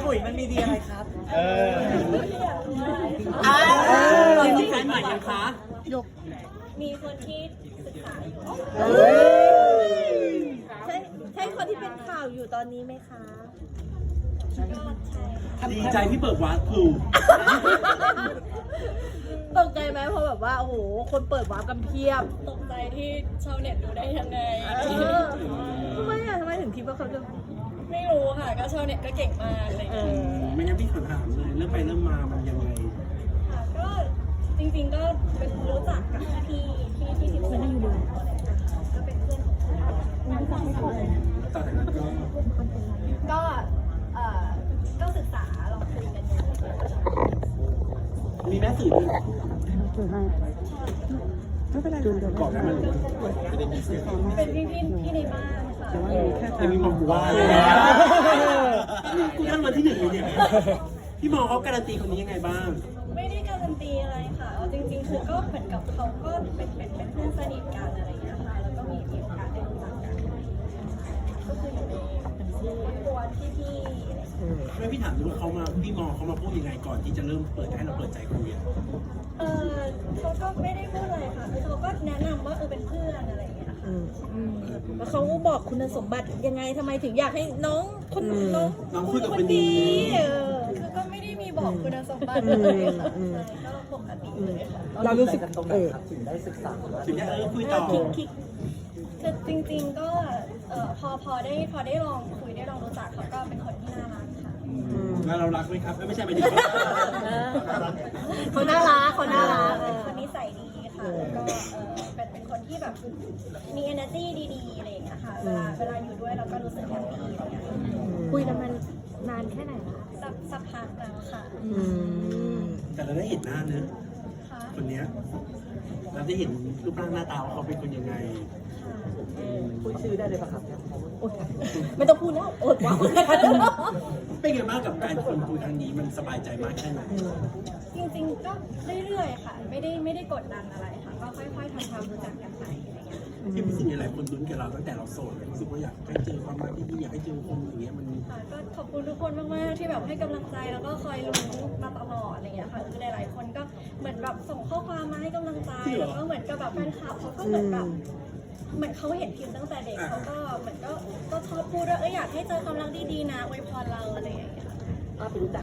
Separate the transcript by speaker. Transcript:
Speaker 1: มุยมันมีดีอะไรครับมีแฟนใหม่ยังคะ
Speaker 2: มีคนที่ศึกษาอยู่ใช่คนที่เป็นข่าวอยู่ตอนนี้ไหมคะก็ใช่
Speaker 1: ดีใจที่เปิดวาร์ปถูก
Speaker 2: ตกใจไหมเพราะแบบว่าโอ้โหคนเปิดวาร์ปกันเพียบ
Speaker 3: ตกใจที่ชาวเน็ตดูได้ยังไง
Speaker 2: ทำไมถึงคิดว่าเขาจะ
Speaker 3: ไม่รู้ค่ะก็ชาวเน็ตก็เก่งมากอะไรอย่างเงี้ย
Speaker 1: ไม่งั้นพี่ขอถามเลยเริ่มไปเริ่มมามันยังไง
Speaker 3: ค่ะก็จริงๆก็เป็นรู้จักกับพี่ที่สิบคนอยู่เลยก็เป็นเพื่อน
Speaker 1: ตอนนั้น
Speaker 3: ก็ศึกษาลองคุยกันดู
Speaker 1: มีแม่สื่อไม่เป็นไรก่อนนะมัน
Speaker 3: เป็นพี่ในบ้านค่ะ
Speaker 1: ยังมีมองกูว่ากูท่านวันที่หนึ่งเลยเนี่ยพี่มองเขาการันตีคนนี้ยังไงบ้าง
Speaker 3: ไม่ได้การันตีอะไรค่ะจริงๆคือก็เหมือนกับเขาก็เป็นเพื่อนสนิทกันอะไรอย่างเงี้ยค่ะแล้วก็มีโอกาสได้รู้จักกันก็คืออยู่ในตัวพี่
Speaker 1: ไม่พี่ถามดูว่าพี่มองเขามาพูดยังไงก่อนที่จะเริ่มเปิดให้เราเปิดใจคุย
Speaker 3: เขาก็ไม่ได้พูดอะไรค่ะเขาก็แนะนำว่าเป็นเพื่อนอะไรอย่างเงี้ยค่ะ
Speaker 2: แล้วเขาบอกคุณสมบัติยังไงทำไมถึงอยากให้น้อง
Speaker 1: คุยกับคนดี
Speaker 3: คือก็ไม่ได้มีบอกคุณสมบัติเลยก็ปกติเลยค่ะ
Speaker 4: เรารู้สึกตรงไหนครับถึงได้ศึกษา
Speaker 1: ถึงได้คุยต่อ
Speaker 3: คือจริงๆก็พอได้ลองคุยได้ลองรู้จักเขาก็เป็นคนที่น่ารักค่ะ
Speaker 1: แล้วเรารักไหมครับไม่ใช่ไปถึง
Speaker 2: เขาน่ารัก
Speaker 3: เป็นคนนิสัยดีค่ะแล้วก็เป็นคนที่แบบมี energy ดีๆอะไรอย่างเงี้ยค่ะเวลาอยู่ด้วยเราก็รู้สึกแฮปปี้อะไรอย่างเงี้ย
Speaker 2: คุยกันมันนานแค่ไหนคะ
Speaker 3: สักพักแล้วค่ะ
Speaker 1: แต่เราได้เห็นหน้าเนื้อคนนี้เราได้เห็นรูปร่างหน้าตาเขาเป็นคนยังไง
Speaker 4: พูดชื่อได้เลยปะครับ
Speaker 2: ไม่ต้องพูดแล้วอดว่า
Speaker 1: เป็นไงบ้างกับการคนคุยครั้งนี้มันสบายใจมากแค่ไหน
Speaker 3: จริงๆก็เรื่อยๆค่ะไม่ได้กดดันอะไรค่ะก็ค่อยๆทำความรู้จักกันไปอะไรเงี้ย
Speaker 1: ที่เป็นสิ่งหลายคนลุ้นกับเราตั้งแต่เราโสดรู้สึกว่าอยากให้เจอความรักที่ดีอยากให้เจอคนอย่างเงี้ยมัน
Speaker 3: ก็ขอบคุณทุกคนมากๆที่แบบให้กำลังใจแล้วก็คอยลุ้นมาตลอดอะไรเงี้ยค่ะคือหลายๆคนก็เหมือนแบบส่งข้อความมาให้กำลังใจแล้วก็เหมือนกับแบบแฟนคลับเขาก็เหมือนแบบเหมือนเขาเห็นพิมพ์ตั้งแต่เด็กเขาก็เหมือนก็ชอบพูดว่าอยากให้เจอความรักดีๆนะอวยพรเราอะไรอย่างเงี้ย